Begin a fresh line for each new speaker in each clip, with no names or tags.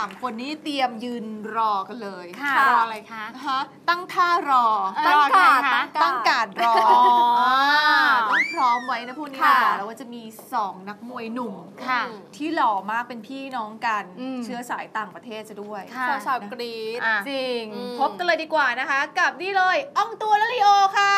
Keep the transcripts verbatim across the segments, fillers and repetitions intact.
ามคนนี้เตรียมยืนรอกันเลย
ค่ะรออะไรคะ
ฮะตั้งท่ารอ
ตั้งการ์ด
ตั้งการ์ดรอต้องพร้อมไว้นะพวกนี้บอกแล้วว่าจะมีสองนักมวยหนุ่มที่หล่อมากเป็นพี่น้องกันเชื้อสายต่างประเทศจะด้วย
สาวกรี๊ด
จริงพบกันเลยดีกว่านะคะกับนี่เลยอ่องตัวและลีโอค่ะ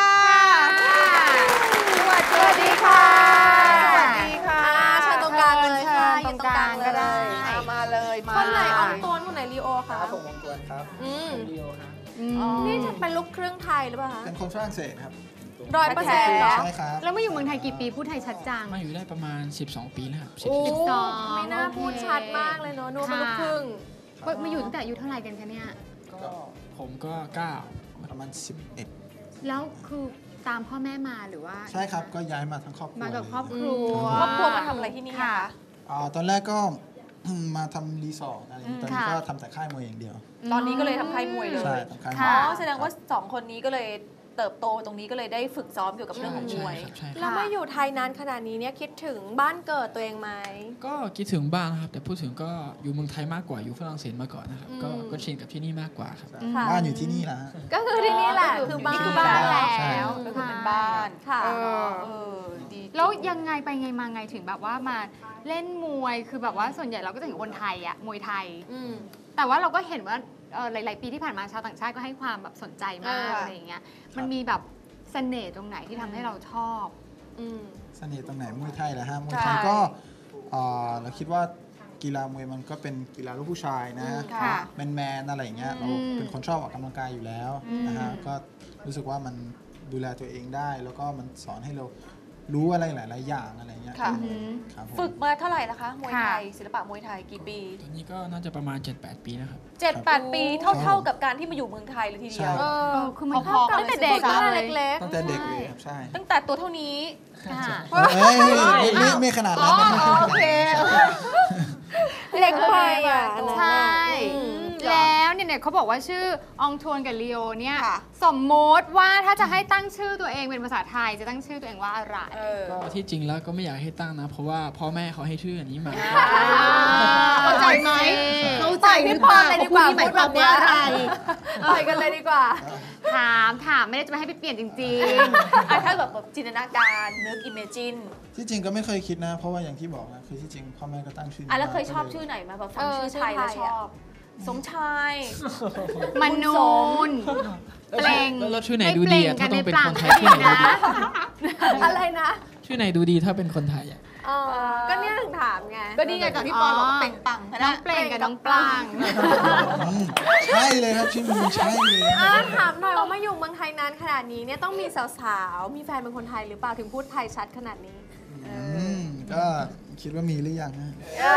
สวัสดีค่ะสวัสดีค่ะ
เชิญตรงกลางเลยค่ะยืนตรงกลาง
ก็ได้มาเลยมา
คนไหนอ่องตัวคนไหนลีโอคะ
ผมอ่องตัวครับลีโอครับ
นี่จะเป็นลูกครึ่งไทยหรือเปล่าคะ
เป็นคนฝรั่งเศสครับ
ร้อยเปอร์เซ็นต์เหรอ
ใช่ครับ
แล้วมาอยู่เมืองไทยกี่ปีพูดไทยชัดจัง
มาอยู่ได้ประมาณสิบสองปีแล้วครับ
สิบสองไม่น่าพูดชัดมากเลยเนาะนูเป็นลูกครึ่ง
มาอยู่ตั้งแต่อายุเท่าไหร่กันคะเนี่ย
ก็ผมก็เก้า
ประมาณสิบเอ็ด
แล้วคือตามพ่อแม่มาหรือว่า
ใช่ครับก็ย้ายมาทั้งครอบครัว
มากับครอบครัว
ครอบครัวมาทำอะไรที่นี่คะ
ตอนแรกก็มาทำรีสอร์ทอะไรตอนนี้ก็ทำแต่ค่ายมวยอย่างเดียว
ตอนนี้ก็เลยทำค่ายมวยเลย
ใช่ทำค่ายม
วยอ๋อแสดงว่าสองคนนี้ก็เลยเติบโตตรงนี้ก็เลยได้ฝึกซ้อมเกี่ยวกับเรื่องของมวย
แล้วมาอยู่ไทยนานขนาดนี้เนี่ยคิดถึงบ้านเกิดตัวเองไหม
ก็คิดถึงบ้านครับแต่พูดถึงก็อยู่เมืองไทยมากกว่าอยู่ฝรั่งเศสมาก่อนนะครับก็ก็ชินกับที่นี่มากกว่าครับ
บ้านอยู่ที่นี่นะ
ก็คือที่นี่แหละคือบ้านคือบ้าน
แล้วก็คือเป็นบ้าน
ค่ะ
แล้วยังไงไปไงมาไงถึงแบบว่ามาเล่นมวยคือแบบว่าส่วนใหญ่เราก็จะเห็นคนไทยอะมวยไทยแต่ว่าเราก็เห็นว่าหลายๆปีที่ผ่านมาชาวต่างชาติก็ให้ความแบบสนใจมากอะไรอย่างเงี้ยมันมีแบบเสน่ห์ตรงไหนที่ทำให้เราชอบ
เสน่ห์ตรงไหนมวยไทยเหรอฮะมวยไทยก็เราคิดว่ากีฬามวยมันก็เป็นกีฬาลูกผู้ชายนะแมนแมนอะไรอย่างเงี้ยเราเป็นคนชอบออกกำลังกายอยู่แล้วนะฮะก็รู้สึกว่ามันดูแลตัวเองได้แล้วก็มันสอนให้เรารู้อะไรหลายๆอย่างอะไรเงี้ย
ฝึกมาเท่าไหร่นะคะมวยไทยศิลปะมวยไทยกี่ปี
ตอนนี้ก็น่าจะประมาณ เจ็ดแปด ปีนะครับ
เจ็ดแปด ปีเท่าๆกับการที่มาอยู่เมืองไทยเลยทีเดียว
คือมันพอ
ตั้งแต่เด็กเล็ก
ๆตั้งแต่เด็กเลยครับใช่
ตั้งแต่ตัวเท่านี้
ไม่ไม่ขนาดนั้น
โอเค
เล็กไปอ่ะ
ใช่แล้วเนี่ยเขาบอกว่าชื่ออองทวนกับลีโอเนี่ยสมมติว่าถ้าจะให้ตั้งชื่อตัวเองเป็นภาษาไทยจะตั้งชื่อตัวเองว่าอะไร
ก็ที่จริงแล้วก็ไม่อยากให้ตั้งนะเพราะว่าพ่อแม่เขาให้ชื่ออันนี้มา
เข้าใจไหมเข้าใจ
พี่พรเลยดีกว่าพูดแบบนี้อะไรไปกันเลยดีกว่า
ถามถามไม่ได้จะไม่ให้ไปเปลี่ยนจริง
ๆถ้าแบบจินตนาการนึกอิมเมจิน
ที่จริงก็ไม่เคยคิดนะเพราะว่าอย่างที่บอกนะคือที่จริงพ่อแม่ก็ตั้งชื่อ
อ่ะแล้วเคยชอบชื่อไหนมาแบบฟังชื่อไทยแล้วชอบสมชาย
มนูน
เปล่งแล้วชื่อไหนดูดีอ่ะถ้าต้องเป็นคนไทยชื่อไหน
อะไรนะ
ชื่อไหนดูดีถ้าเป็นคนไทยอ่ะ
ก็เนี่ยถึงถามไง
ก็นี่ไงก่อนที่ปอนบอกเปล่งปัง
น้องเปล่งกับน้องปลาง
ใช่เลยครับชื่อมันใช่เลย
ถามหน่อยว่ามาอยู่เมืองไทยนานขนาดนี้เนี่ยต้องมีสาวๆมีแฟนเป็นคนไทยหรือเปล่าถึงพูดไทยชัดขนาดนี้
ก็คิดว่ามีหรือยังนะ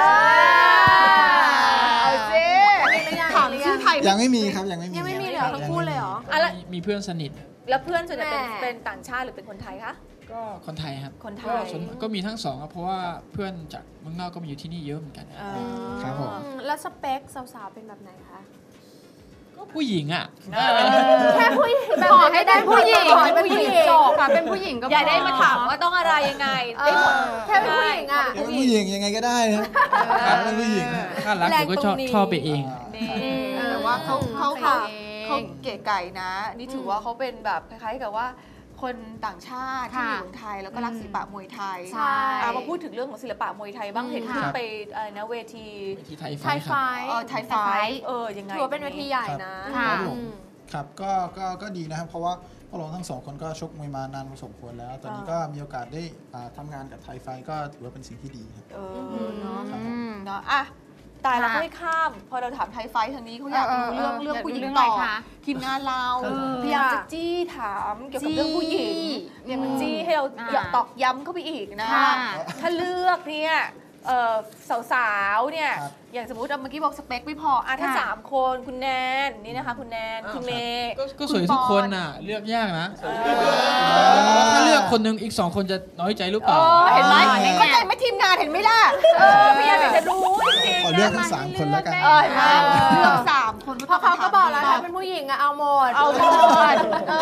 เอาสิ
ถามชื่อไทย
ยังไม่มีครับยังไม่มี
ยังไม่มีเลยทั้งคู่เลยเหรอ
มีเพื่อนสนิท
แล้วเพื่อนส่วนใหญ่เป็นต่างชาติหรือเป็นคนไทยคะ
ก็คนไทยครับ
คนไทย
ก็มีทั้งสองครับเพราะว่าเพื่อนจากเมืองนอกก็มาอยู่ที่นี่เยอะเหมือนกัน
ครับผม
แล้วสเปคสาวๆเป็นแบบไหนคะ
ก็ผู้หญิงอ่ะ
แค่ผู้หญิง
ขอให้ได้ผู้หญิงเป็นผู้หญิงจบค่ะเป็นผู้หญิงก็
อย่าได้มาถามว่าต้องอะไรยังไงได้หมด
แค่เป็นผู้หญิงอ่ะ
เป็นผู้หญิงยังไงก็ได้ครับเป็นผู้หญิง
ถ้ารักผมก็ชอบชอบไปเอง
แต่ว่าเขาเขาเขาเก๋ไก่นะนี่ถือว่าเขาเป็นแบบคล้ายๆกับว่าคนต่างชาติที่อยู่เมืองไทยแล้วก็รักศิลปะมวยไทยมาพูดถึงเรื่องของศิลปะมวยไทยบ้างเห็นขึ้นไปอะไรนะเวที
ไทยไฟ
ไทยไฟเออยังไง
ถือว่าเป็นเวทีใหญ่นะครับ
ก็ก็ก็ดีนะครับเพราะว่าพวกเราทั้งสองคนก็ชกมวยมานานพอสมควรแล้วตอนนี้ก็มีโอกาสได้ทำงานกับไทยไฟก็ถือว่าเป็นสิ่งที่ดีครับ
เออเนาะเนาะอ่ะตายแล้วไม่ข้ามพอเราถามไทยไฟทางนี้เขาอยากรู้เรื่องเรื่องผู้หญิงต่อทีมงานเราพยายามจะจี้ถามเกี่ยวกับเรื่องผู้หญิงเนี่ยมันจี้ให้เราตอกย้ำเข้าไปอีกนะถ้าเลือกเนี่ยสาวๆเนี่ยอย่างสมมติเมื่อกี้บอกสเปคไม่พออ่ะถ้าสามคนคุณแนนนี่นะคะคุณแนนคุณเมย์
ก็สวยทุกคนน่ะเลือกยากนะถ้าเลือกคนนึงอีกสองคนจะน้อยใจหรือเปล่า
เห็นไหมเข้าใจไหมทีมงานเห็นไหมล่ะพี่อยากจะรู้จริง
ๆขอเลือกทั้งสามคนแล้วกัน
เลือกสามคน
เพราะเขาก็บอกแล้วถ้าเป็นผู้หญิงอะเอาหมด
เอาหมด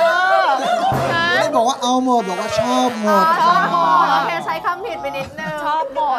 ไม่ได้บอกว่าเอาหมดบอกว่าชอบหมด
ชอบหมดโอเคใช้คำผิดไปนิดนึง
ชอบหมด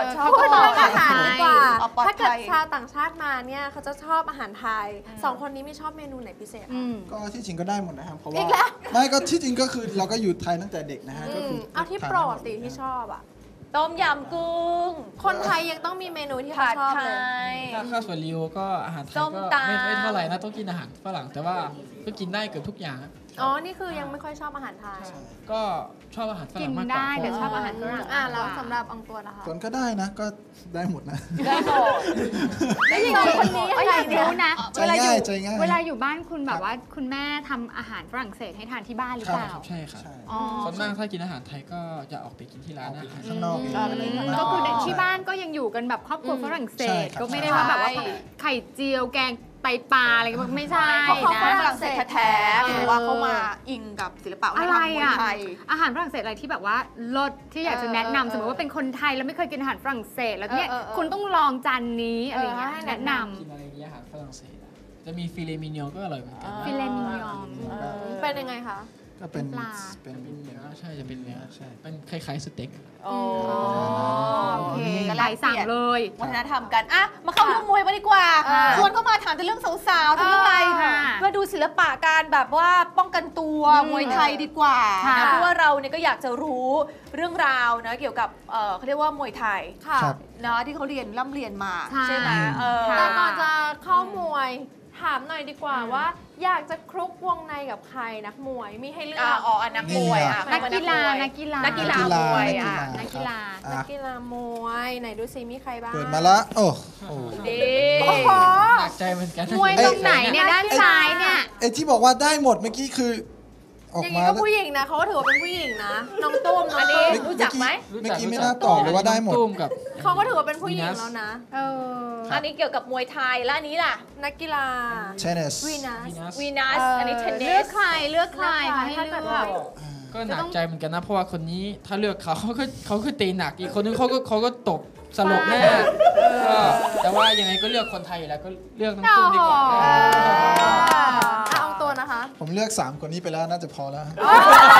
ชอบ
พูดเรื่องอาหารดีกว่า
เอาปลอด
ถ้าเกิด
ภัย
ชาวต่างชาติมาเนี่ยเขาจะชอบอาหารไทยสองคนนี้ไม่ชอบเมนูไหนพิเศษ
อื
คะ
ม
ก็ที่จริงก็ได้หมดนะครับ เพราะว่า
อีกแล้ว
ไม่ก็ที่จริงก็คือเราก็อยู่ไทยตั้งแต่เด็กนะฮะก็คือ
เอาที่โปรดสิที่ชอบอ่ะ
ต้มยำกุ้ง
คนไทยยังต้องมีเมนูที่เขา
ผัด
ชอบ
ไท
เลย
ย
ถ้าข้าวสวยริวก็อาหารไทย
ส้ม
ก็
ตำ
ไม่ไม่เท่าไหร่นะต้องกินอาหารฝรั่งแต่ว่าก็กินได้เกือบทุกอย่างอะ
อ๋อ นี่คือยังไม่ค่อยชอบอาหารไทย
ก็ชอบอาหารฝ
กิ
รั่
น
งมากกว่า
ได้
เพ
แต่
ราะ
ชอบอาหารฝรั่ง
อ่ะแล้วสำหรับอองตัวนะคะ
ส่วนก็ได้นะก็ได้หมดนะ
ได้หมด
แล้วอย่างนี้คนนี้
เอ้ยอยากรู้นะ
ใจ
เวลาอ
ง่า
ยู่
ยใจง่าย
เวลาอยู่บ้านคุณแบบว่าคุณแม่ทำอาหารฝรั่งเศสให้ทานที่บ้านหรือ
ค
เป
รับ
ล่า
ใช่ครับ
ใช่
อ๋อ
ส่วนมากถ้ากินอาหารไทยก็จะออกไปกินที่ร้านอาหาร
ข้างนอก
อืม
อะไรอย่างเงี้ย
ก็คือในที่บ้านก็ยังอยู่กันแบบครอบครัวฝรั่งเศ
ใช่
ส
ครับ
ก็ไม่ได้ว่าแบบว่า
ใช่
ไข่เจียวแกงไตปลาอะไรก็ไม่ใช่
เพราะเขา
นะ
ฝรั่งเศสแท้ๆหรือว่าเขามาอิงกับศิลปะวัฒนธรรมมวยไทย
อาหารฝรั่งเศสอะไรที่แบบว่าลดที่อยากจะแนะนำสมมติว่าเป็นคนไทยแล้วไม่เคยกินอาหารฝรั่งเศสแล้วเนี่ย
เออเออเออ
คุณต้องลองจานนี้อะไรอย่างเงี้ย
เออให้
แนะน
กินอะไรอย่างเงี้ยอาหารฝรั่งเศสอะจะมีฟิเลมิเนียก็อร่อยเหมือนกัน
ำฟิเลมิยอง
เป็นยังไงคะ
ก็เป็น
ปลา
เป็น
เป็นเนื้อใช่จะเป็นเนื้อ
ใช่
เป็นคล้ายๆสเต็กอะ
โอ้
โอเค
ก็
ไหลสั่งเลย
วัฒนธรรมกันอ่ะมาเข้าเรื่องมวยมาดีกว่า
อ่า
ชวนเข้ามาถามแต่เรื่องสาวๆทั้งอะไร
ค่ะ
มาดูศิลปะการแบบว่าป้องกันตัวมวยไทยดีกว่า
ค่ะ
นะเพราะว่าเราเนี่ยก็อยากจะรู้เรื่องราวนะเกี่ยวกับเอ่อเขาเรียกว่ามวยไทย
ค่ะ
ครับ
นะที่เขาเรียนร่ำเรียนมา
ใช่
ใช่ไหมเออ
ค่ะ
แต่ก่อนจะเข้ามวยถามหน่อยดีกว่าว่า อยากจะคลุกวงในกับใครนักมวยมีให้เลือ
อ่าก อ๋ออันนักมวยอ่ะ
นักกีฬา
นั
นั
ก
ก
กี
กี
ฬา
ฬา
นักกีฬามวยอ่ะ
นักกีฬา
อ่ะ
นักกีฬามวยไหนดูซิมีใครบ้าง
เปิดมาละโอ้โห
ดี
โอ้โห
หนักใจเหมือนกัน
มวยตรงไหนเนี่ยด้านซ้ายเนี่ย
ไอ้ที่บอกว่าได้หมดเมื่อกี้คือออก
อย่าง
มา
นี้ก็
แล้ว
ผู้หญิงนะเขาก็ถือว่าเป็นผู้หญิงนะน้องตุ้มน้อง
อันนี้
ตุ้ม
รู้จักไหม
เมื่อกี้ไม่น่าตอบเลยว่าได้หมด
ตุ้มกับ
เขาก็ถือว่าเป็นผู้หญิงแล้วนะ
เออ
อันนี้เกี่ยวกับมวยไทยและอันนี้ล่ะ
นักกีฬา
เทนนิส
วีนัส
วีนัส
วีนัสอันนี้เทนนิ
เลือก
ส
ใครเลือกใครมาให้
ถ้า
เลื
เกิด
อ
ว่า
ก
ก็หนักใจเหมือนกันนะ เพราะว่าคนนี้ถ้าเลือกเขาเขาก็เขาก็ตีหนักอีกคนนึงเขาก็เขาก็ตบสลบแน่ก็แต่ว่ายังไงก็เลือกคนไทยอยู่แล้วก็เลือกน้องตุ้มดีกว่า
โอ้โห
เอาตัวนะคะ
ผมเลือกสามคนนี้ไปแล้วน่าจะพอแล้ว
เอ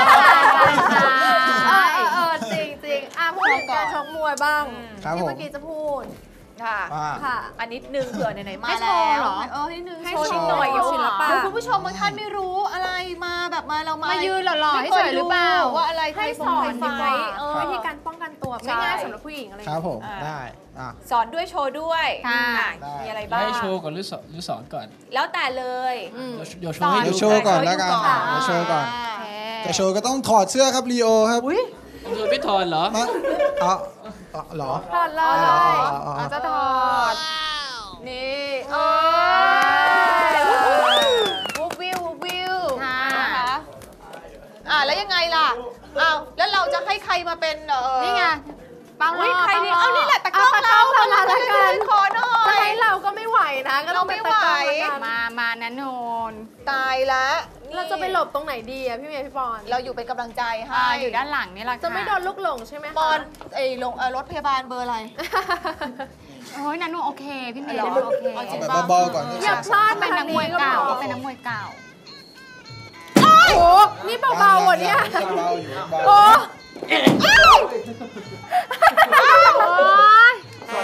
อเออเออจริงจริงอ่ะพูดถึงการชกมวยบ้าง
ครับ
ที่
ผม
เมื่อกี้จะพูด
ค่ะ
ว่า
ค่ะ
อันนิดนึงเผื่อไหนๆมา
ให้โช
แล้
ว์
ว
เหรอ
เออให้นึง
ให้
โชว์
โช
นิด
ว์
หน่อย
ศิลปะ
เดี๋ยวคุณผู้ชมบางท่านไม่รู้อะไรมาแบบมาเรามา
มา
มา
ยืนหล่อๆให้เฉยหรือเปล่า
ว่าอะไร
ให้
ไทย
ส
ฟ
อง น
ไท
ดี
ยไฟ
กว่า
เออ
วิธีการป้องกันตัว
ใช่
ง่ายๆสำหรับผู้หญิงอะไรอ
ค
ย่าง
รับ
เงี้ย
ผม
อ่า
ได้อ่ะ
สอนด้วยโชว์ด้วย
ค่ะ
อ่ะ
ได้
มีอะไรบ้าง
ให้โชว์ก่อนหรือสอนหรือสอนก่อน
แล้วแต่เลย
อืม
เดี๋ยวโชว์ให้
เดี๋
ดู
ยวโชว์ก่อนแล้วกัน
อ่ะ
เดี๋ยวโชว์ก่อน
า
แต่โชว์ก็ต้องถอดเสื้อครับลีโอครับ
อุ้ย
ดูไม่ถอนเหรอ
มาเอาเอาเหรอ
ถอดเล
อ๋อย อ๋ออ๋อ
เราจะถอด
นี่เออวูบวิววูบวิว
ค่ะ
นะคะอ่ะแล้วยังไงล่ะอ้าวแล้วเราจะให้ใครมาเป็นเออ
นี่ไงเปา
อุ้ย
ล่อ
ใครนี่
ปล่
เอานี่แหละตะกล้อง
เอาตะกล้
เรา
องเรามาละกัน
ขอหน่อ
จะ
ย
ให้เราก็ไม่ไหวนะ ก็ต้องเป็นตะกร้อ
เราไม่ไหว
ละกัน
มามานะโนน
ตายละ
เราจะไปหลบตรงไหนดีอะพี่เมย์พี่ปอน
เราอยู่เป็นกำลังใจให้
อ่าอยู่ด้านหลังนี่แหละค่
จะไม่โดนลูกหลงใช่ไหมคะ
ปอนไอ้ลงเอ่อรถพยาบาลเบอร์อะไร
โอ้ยนันโนโอเค พี่เมย์
เหรอ
นันโนโอเค
เอาจริ
เอา
ง
แบบเบาๆก่อนนะ
อย่าพลาด
เป็นนักมวยเก่าเป็นนักมวยเก่า
โอ้โหนี่เบาๆอ่ะเนี่ย
ยังเบาอยู่เบา
โอ้
โอ้ย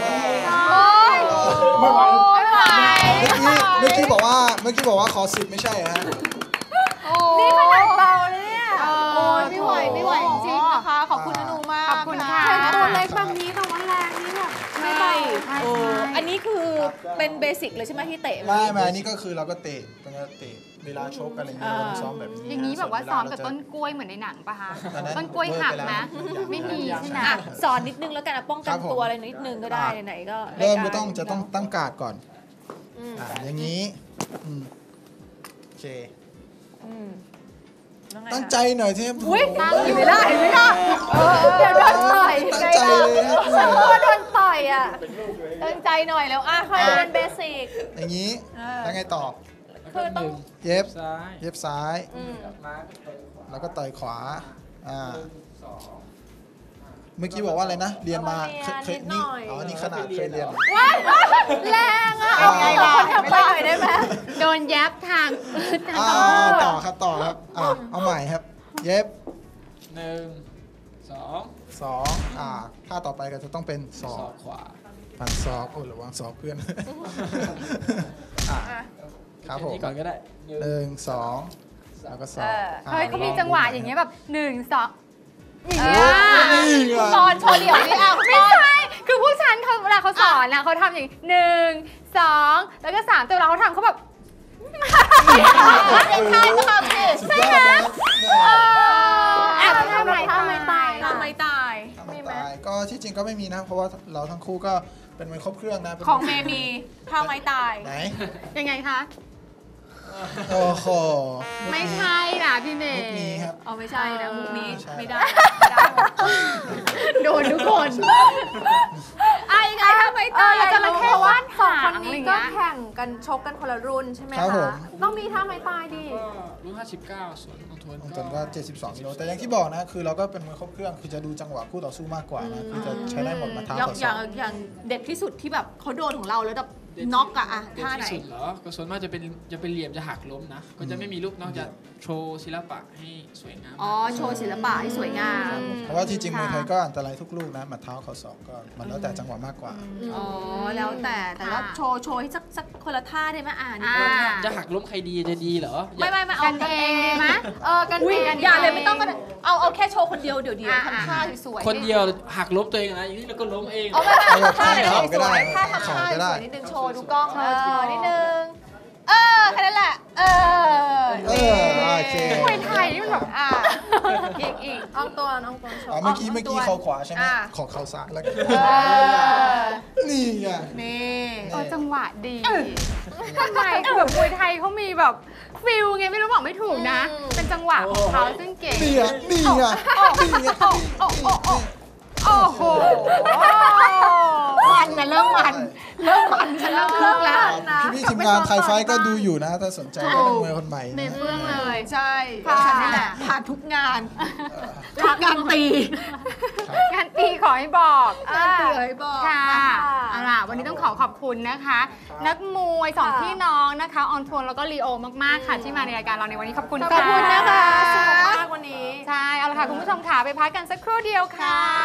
ไม่ไหว
ไม่ไหว
เมื่อกี้เมื่อกี้บอกว่าเมื่อกี้บอกว่าขอสิบไม่ใช่เหรอฮะ
นี่ขนาดเบาเลยเนี่ย
โอ้ยไม่ไหวไม่ไหวจริงๆนะคะ ขอบคุณอนูมาก
ขอบคุณค่ะ
แค่ตัวเล็กแบบนี้แต่ว่าแรงนี่แบบไม่เบา
ใช่
โอ้
ใช่
อันนี้คือเป็นเบสิกเลยใช่ไหมที่เตะ
ไม่ไม่อันนี้ก็คือเราก็เตะเป็นการเตะเวลาชกอะไรอย่างเงี้ยเราต้องซ้อมแบบนี้
อย่างนี้แบบว่าซ้อมกับต้นกล้วยเหมือนในหนังปะคะ ต้นกล้วยหักนะ ไม่มีใช่ไหม
อ่ะสอนนิดนึงแล้วกันนะป้องกันตัวอะไรนิดนึงก็ได้ไหนๆก็
เริ่ม
ายา
ก็ต้องจะต้องตั้งการ์ดก่อนอ่าอย่างนี้อืมโอเค
อืมแล้วไง
ตั้ง
คะ
ใจหน่อยเทพ
อุ้ยเห็นไหมล่ะเห็นไหมล่ะ
เดี๋ยวโดนต่อย
ตั้งใจเลยครับ
ฉันกลัวโดนต่อยอ่ะ
ตั้งใจหน่อยแล้วอ่ะ
คอยเป็นเบสิก
อย่างนี้
เออ
แล้วไงต่อ
คือต้อง
เย็บ
ซ้าย
เย็บซ้าย
อืม
มา
แล้วก็ต่อยขวาอ่าเมื่อกี้บอกว่าอะไรนะ เรียนมาเคยเคยนี่อ๋อนี่ขนาดเคยเรียน
แรงอ่ะ
เอาไง
เอา
ล่ะ
คนทำไปหน่อยได้ไหม
โดนแยบทาง
อ่าต่อครับต่อครับอ่าเอาใหม่ครับ เย็บ
หนึ่งสอง
สองอ่าท่าต่อไปก็จะต้องเป็นศ
ศ
อ
อก กขวา
ฟันศอกโอ้ระวังศอกเพื่อนอ่ะครับผม
นี่ก่อนก็ได้
หนึ่งสองแล้วก็ศอก
เออ
อ่ะ
เฮ้ยเขามีจังหวะอย่างเงี้ยแบบหนึ่งสองอย่าง
เอ
เงี้ย
อ
นี่ไง
ตอนโชว์เดี่ยวนี่เอา
ไม่ใช่ คือผู้ชันเขาเวลาเขาสอนนะเขาทำอย่างหนึ่งสองแล้วก็สามแต่เวลาเขาทำเขาแบบ
เด็กชายก็ทำสิ
สุดยอดนะ
แอบทำไม
ทำไมตาย
ทำไมตาย
ทำไมตายก็ที่จริงก็ไม่มีนะ เพราะว่าเราทั้งคู่ก็เป็นมวยครบเครื่องนะป็น
ของเมย์มีทำไมตาย
ไหน
ยังไงคะ
โอ้โห
ไม่ใช่นะพี่เม
มุ
ย์
กนี้ครับ
อ๋อไม่ใช่นะมุกนี้
ใช่
ไม่ได้ไม่ได้
โดนทุกคน
ไอ้ไงทำไม
เอ
ตา
อย อยากจะ
จระ
รู้
เข้
เพราะว่า
ว่าน
สอง
หาง
คน
อะไร
นี้
เงี้
ก็
ย
แข่งกันชกกันคนละรุ่นใช่ไหม
ครับผ
คะ
ม
ต้องมีท่าไม้ตายดิ
ก็รุ่นห้าสิบเก้าส่วนของทวน
ของตนก็เจ็ดสิบสองกิโลแต่อย่างที่บอกนะ คือเราก็เป็นมวยครบเครื่องคือจะดูจังหวะคู่ต่อสู้มากกว่านะคือจะใช้ได้หมดมาเท้า
อย่าง
ต่อ
อ
ศ
ย่า
อง ก
อย่างเด็ดที่สุดที่แบบเขาโดนของเราแล้วแบบน็อกอะอะ
เด็ด
ท่าไหน
ที่สุดเหรอก็ส่วนมากจะเป็นจะเป็นเหลี่ยมจะหักล้มนะ ก็จะไม่มีลูกนอกจากโชว์ศิลปะให้สวยงาม
อ๋อโชว์ศิลปะให้สวยงาม
เพราะว่าที่จริงมวยไทยก็อันตรายทุกลูกนะหมัดเท้าเข่าศอกก็มันแล้วแต่จังหวะมากกว่า
อ๋อแล้วแต่แต่ว่าโชว์โชว์ให้สักสักคนละท่าได้ไหมอ่านี่
อ่า
คนละ
จะหักล้มใครดีจะดีเหรออย่า
ไม่ไม่ไม่เอา
กันเองดีไหมเออกัน
อุ้ย
เอง
อย่าเลยไม่ต้องก็ได้เอาเอาแค่โชว์คนเดียวเดี๋ยวเดียว
อ่า
ทำท่าสวยๆ
คนเดียวหักล้มตัวเองนะอย่างนี้เราก็ล้มเอง
เอาไม่ไม่เอาท่าไหน
เอา
ส
ก็ได้
วยๆท่าทำ
เอา
ท่า
ก็ได้
สวยนิดนึงโชว์ดูกล้องเออนิดนึงเออแค่นั้นแหละเออ
เออโอเค
มวยไทยนี่มันแบบ
อ่าอีกอีก
อองตัวน้องตัวโช
อ๋อ
ว์
เมื่อกี้เมื่อกี้เข่าขวาใช่ไหม
อ่า
ขอเข่าซ้ายแล้วกัน
เออ
นี่ไง
นี่
เออจังหวะดีทำไมคือแบบมวยไทยเขามีแบบฟิลไงไม่รู้บอกไม่ถูกนะ เป็นจังหวะของเขาซึ่งเก่ง
นี่ไงนี่ไงนี่ไง
โอ้โอ้โอ้โอ้โหมันนะเริ่มมันเริ่มมันฉันเริ่มคึกแล้ว
พี่พี่ทีมงานไทยไฟท์ก็ดูอยู่นะ ถ้าสนใจก็เป็นมวยคนใหม่
เม
นะ
ย์เฟื่องเลย
ใช่
ค่ะ
ฉันนี่แหละผ่านทุกงานทุกงานตี
งานตีขอให้บอก
งานตีให้บอก
ค่ะเอาล่ะวันนี้ต้องขอขอบคุณนะคะ นักมวยสองพี่น้องนะคะออนทวนแล้วก็ลีโอมากๆค่ะที่มาในรายการเราในวันนี้ขอบคุณ
ขอบคุณนะคะ
ค่ะ
สนุกมากวันนี้
ใช่เอาละค่ะคุณผู้ชมค่ะไปพักกันสักครู่เดียวค่ะ